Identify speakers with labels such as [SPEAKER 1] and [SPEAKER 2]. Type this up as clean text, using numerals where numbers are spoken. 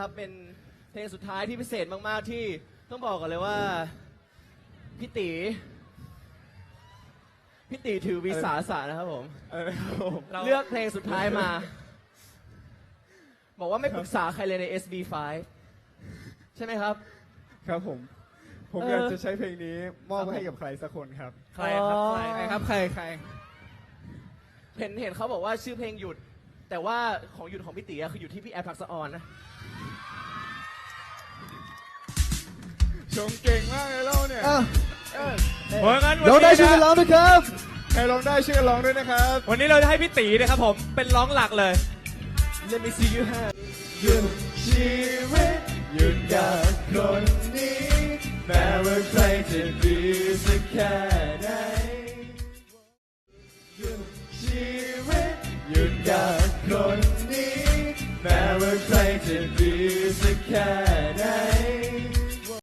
[SPEAKER 1] นะครับเป็นเพลงสุดท้ายที่พิเศษมากๆที่ต้องบอกกันเลยว่าพี่ตีถือวิสาสะนะครับผมเลือกเพลงสุดท้ายมาบอกว่าไม่ปรึกษาใครเลยใน SB5 ใช่ไหมครับ
[SPEAKER 2] ครับผมอยากจะใช้เพลงนี้มอบให้กับใครสักคนครับ
[SPEAKER 3] ใครครับใครครับใคร
[SPEAKER 1] เห็นเขาบอกว่าชื่อเพลงหยุดแต่ว่าของหยุดของพี่ตีคืออยู่ที่พี่แอฟทักษะออนนะ
[SPEAKER 2] ชมเก่งมากเลยเล่าเนี่ย
[SPEAKER 3] เราได้ชื่อกันร้องด้วยครับ
[SPEAKER 2] ใครร้องได้ชื่อกันร้องด้วยนะครับ
[SPEAKER 3] วันนี้เราจะให้พี่ตีนะครับผมเป็นร้องหลักเลย
[SPEAKER 1] Let me see you have
[SPEAKER 2] หยุดชีวิตหยุดกับคนนี้แม้ว่าใครจะดีสักแค่ไหนหยุดชีวิตหยุดกับคนนี้แม้ว่าใครจะดีสักแค่ไหน